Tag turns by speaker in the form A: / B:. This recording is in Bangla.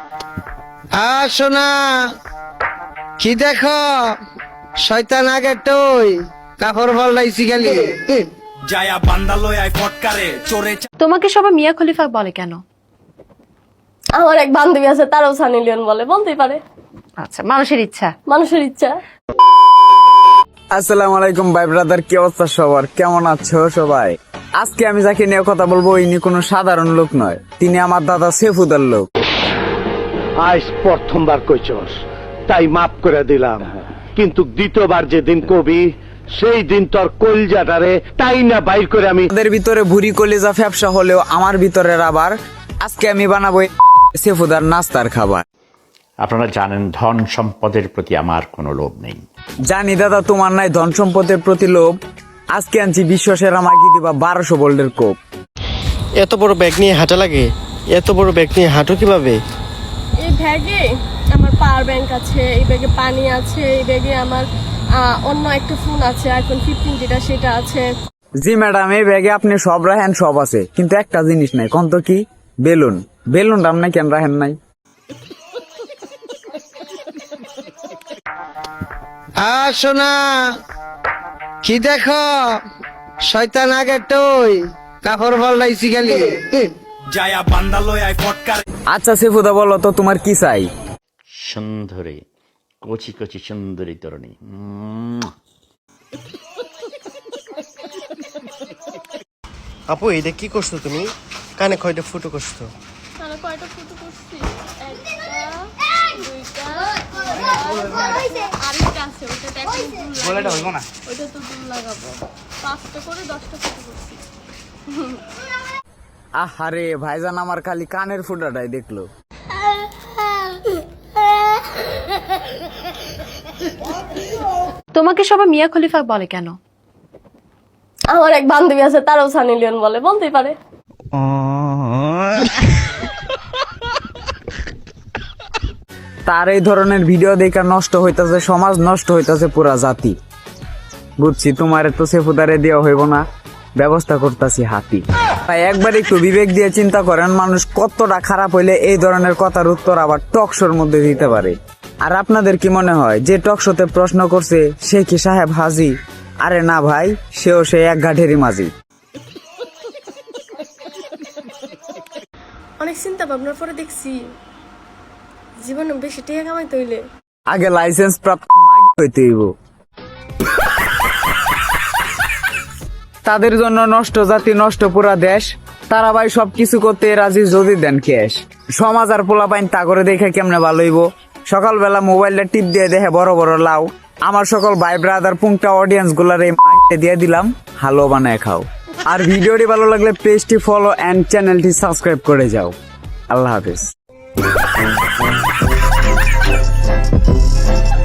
A: শোনা কি দেখো শয়তান আগে টই কাপড় বললাইছি খালি
B: যায়া বান্দালয় আই ফটকারে চোরে।
C: তোমাকে সবাই মিয়া খলিফা বলে কেন?
D: আমার এক বান্ধবী আছে, তারও সানি লিওন বলে, বলতেই পারে।
C: আচ্ছা, মানুষের ইচ্ছা।
D: মানুষের ইচ্ছা।
E: আসসালামু আলাইকুম ভাই ব্রাদার, কি অবস্থা সবার, কেমন আছো সবাই? আজকে আমি যাকে নিয়ে কথা বলবো ইনি কোনো সাধারণ লোক নয়, তিনি আমার দাদা সেফুদার লোক।
F: আজ প্রথমবার কইছস তাই মাফ করে দিলাম, কিন্তু দ্বিতীয়বার যেদিন কবি সেই দিন তোর কলজাটারে তাই না বাইর করে আমি।
E: তাদের ভিতরে ভুরি কলিজা ফ্যাপসা হলেও আমার ভিতরে রাবার। আজকে আমি বানাবো সেফুদার নাস্তার খাবার।
G: আপনারা জানেন ধন সম্পদের প্রতি আমার কোনো লোভ নেই।
E: জানি দাদা তোমার নাই ধন সম্পদের প্রতি লোভ। আজকে আনছি বিশ্বসেরা মাগি দিবা 1200 ভোল্টের কোপ।
H: এত বড় ব্যাগ নিয়ে হাঁটা লাগে? এত বড় ব্যাগ নিয়ে হাঁটো কিভাবে?
D: এই ব্যাগে আমার পাওয়ার ব্যাংক আছে, এই ব্যাগে পানি আছে, এই ব্যাগে আমার অন্য একটা ফোন আছে, আইফোন 15 যেটা সেটা আছে।
E: জি ম্যাডাম, এই ব্যাগে আপনি সব রাহেন, সব আছে, কিন্তু একটা জিনিস নাই। কোন তো কি? বেলুন। বেলুন রাম নাই কেন রাহেন নাই?
A: শোনা কি দেখো শয়তান আগে টই কাপড় বললাইছি খালি
B: যায়া বান্দালয় আই ফটকারে।
E: আচ্ছা সেফুদা, বলো তো তোমার কি চাই?
G: সুন্দরী কচি কচি সুন্দরী তরুণী।
H: আপু এটা কি করছো তুমি? কানে কয়টা ফুটো করছো?
D: মানে কয়টা ফটো করছি? একটা, দুইটা, আরেকটা আছে, ওটাতে এখন দুল লাগাবো। ওটা তো দুল লাগাবো। 5টা করে 10টা ফটো করছি।
E: আহারে ভাইজান আমার খালি কানের ফুটাটাই দেখলো।
C: তোমাকে সবাই মিয়া খলিফা বলে কেন?
D: আমার এক বান্ধবী আছে, তারও সানি লিওন বলে, বলতেই পারে।
E: তার এই ধরনের ভিডিও দেখা নষ্ট হইতাছে সমাজ, নষ্ট হইতাছে পুরা জাতি। বুঝছি তোমার তো সেফুদারে দেওয়া হইব না, ব্যবস্থা করতেছি হাতি। তাই একবার একটু বিবেক দিয়ে চিন্তা করেন, মানুষ কতটা খারাপ হইলে এই ধরনের কথার উত্তর আবার টকশোর মধ্যে দিতে পারে। আর আপনাদের কি মনে হয় যে টকশোতে প্রশ্ন করছে সে কি সাহেব হাজি? আরে না ভাই, সেও সে এক গাঠেরই মাঝি।
D: অনেক চিন্তা ভাবনার পরে দেখছি জীবনে বেশি টাকা কামাইতে হইলে
E: আগে লাইসেন্স প্রাপ্ত মাগি হইতে হইব। তাদের জন্য নষ্ট জাতি, নষ্ট পুরা দেশ। তারা ভাই সবকিছু করতে রাজি যদি দেন ক্যাশ। সমাজ আর পোলাপাইন তা করে দেখে কেমনে ভালো হইব। সকালবেলা মোবাইলটা টিপ দিয়ে দেখে বড় বড় লাউ। আমার সকল ভাই ব্রাদার পুংটা অডিয়েন্স গুলার এই দিয়ে দিলাম, হালো বানায় খাও। আর ভিডিওটি ভালো লাগলে পেজটি ফলো এন্ড চ্যানেলটি সাবস্ক্রাইব করে যাও। আল্লাহ হাফেজ।